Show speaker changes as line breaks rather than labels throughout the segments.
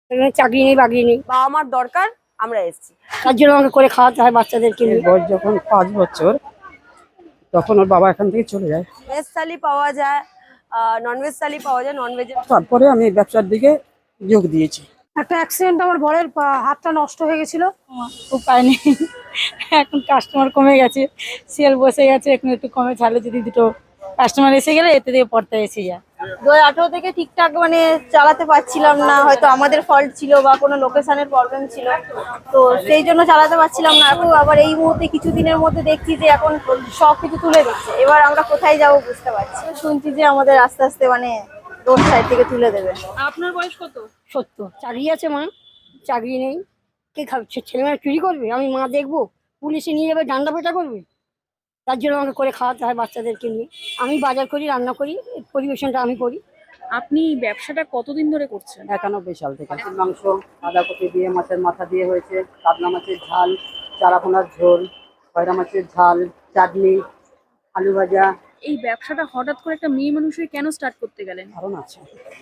এখানে চাকরি নেই বাকরি নেই,
বাবা মার দরকার, আমরা এসেছি।
তার জন্য আমাকে করে খাওয়াতে হয় বাচ্চাদেরকে নিয়ে।
বয়স যখন 5 বছর তখন ওর বাবা এখান থেকে চলে যায়।
ভেজ থালি পাওয়া যায়, ননভেজ থালি পাওয়া যায়, ননভেজ।
তারপরে আমি ব্যবসার দিকে যোগ দিয়েছি।
একটা অ্যাক্সিডেন্ট, আমার বরের হাতটা নষ্ট হয়ে গেছিল।
উপায় নেই, এখন কাস্টমার কমে গেছে, সেল বসে গেছে, এখন একটু কমে ছাড়লে যদি দুটো কাস্টমার এসে গেলে এতে দিয়ে পড়তে এসে যায়।
2018 থেকে ঠিকঠাক চালাতে পারছিলাম না, হয়তো আমাদের ফল্ট ছিল বা কোনো লোকেশনের প্রবলেম ছিল, তো সেই জন্য চালাতে পারছিলাম না। এখন আবার এই মুহূর্তে কিছুদিনের মধ্যে দেখছি যে এখন সবকিছু তুলে দিচ্ছে, এবার আমরা কোথায় যাব বুঝতে পারছি। শুনছি যে আমাদের আস্তে আস্তে রোড সাইড থেকে তুলে দেবে।
আপনার বয়স কত?
সত্য চাকরি আছে মা, চাকরি নেই, কে খাবে? ছেলেমেয়েরা চুরি করবে, আমি মা দেখবো? পুলিশে নিয়ে যাবে, ডান্ডা পেটা করবে? তার জন্য আমাকে করে খাওয়াতে হয় বাচ্চাদেরকে নিয়ে। আমি বাজার করি, রান্না করি, পরিবেশনটা আমি করি।
আপনি ব্যবসাটা কতদিন ধরে করছেন?
91 সাল থেকে। মাংস বাঁধাকপি দিয়ে, মাছের মাথা দিয়ে হয়েছে, কাতলা মাছের ঝাল, চারাপোনার ঝোল, খয়রা মাছের ঝাল, চাটনি, আলু ভাজা।
এই ব্যবসাটা হঠাৎ করে একটা মেয়ে মানুষ হয়ে কেন স্টার্ট করতে গেলেন?
কারণ আছে,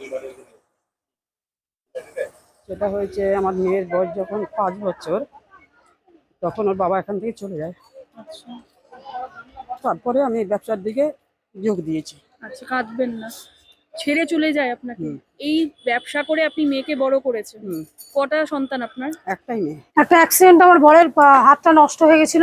সেটা হয়েছে আমার মেয়ের বয়স যখন 5 বছর তখন ওর বাবা এখান থেকে চলে যায়।
আচ্ছা
তারপরে আমি ব্যবসার দিকে যোগ দিয়েছি।
আচ্ছা, কাঁদবেন না, ছেড়ে চলে যায় আপনাকে। এই ব্যবসা করে আপনি মেয়েকে বড় করেছেন। কটা সন্তান আপনার?
একটাই মেয়ে।
একটা অ্যাক্সিডেন্ট, আমার বরের হাতটা নষ্ট হয়ে গেছিল,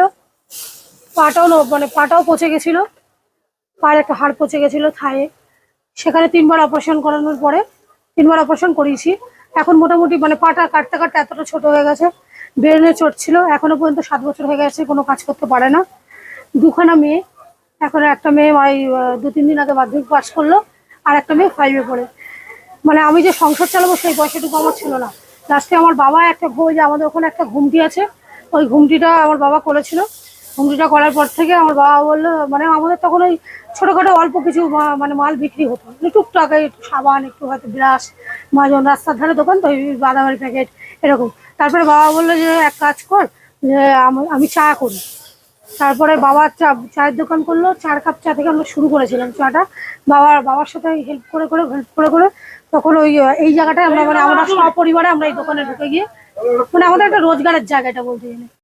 পাটাও পচে গেছিল, পায়ের একটা হাড় পচে গেছিল থায়ে। সেখানে 3বার অপারেশন করানোর পরে 3বার অপারেশন করিয়েছি। এখন মোটামুটি পাটা কাটতে কাটতে এতটা ছোট হয়ে গেছে। ব্রেনে চোট ছিল, এখনো পর্যন্ত 7 বছর হয়ে গেছে, কোনো কাজ করতে পারে না। 2খানা মেয়ে, এখন একটা মেয়ে 2-3 দিন আগে মাধ্যমিক পাস করলো, আর একটা মেয়ে 5-এ পড়ে। আমি যে সংসার চালাবো সেই পয়সাটুকু আমার ছিল না। লাস্টে আমার বাবা একটা যে আমাদের ওখানে একটা ঘুমটি আছে, ওই ঘুমটিটা আমার বাবা করেছিল। ঘুমটিটা করার পর থেকে আমার বাবা বললো, আমাদের তখন ওই ছোটখাটো অল্প কিছু মাল বিক্রি হতো, টুকটাক একটু সাবান, একটু হয়তো ব্রাশ, মাজন, রাস্তার ধারে দোকান তো, বাদামের প্যাকেট এরকম। তারপরে বাবা বললো যে এক কাজ কর, যে আমি চা করি। তারপরে বাবা চায়ের দোকান করলো, 4 কাপ চা থেকে আমরা শুরু করেছিলাম চাটা। বাবার সাথে হেল্প করে করে তখন এই জায়গাটায় আমরা আমরা সপরিবারে আমরা এই দোকানে ঢুকে গিয়ে আমাদের একটা রোজগারের জায়গাটা বলতে গেলে।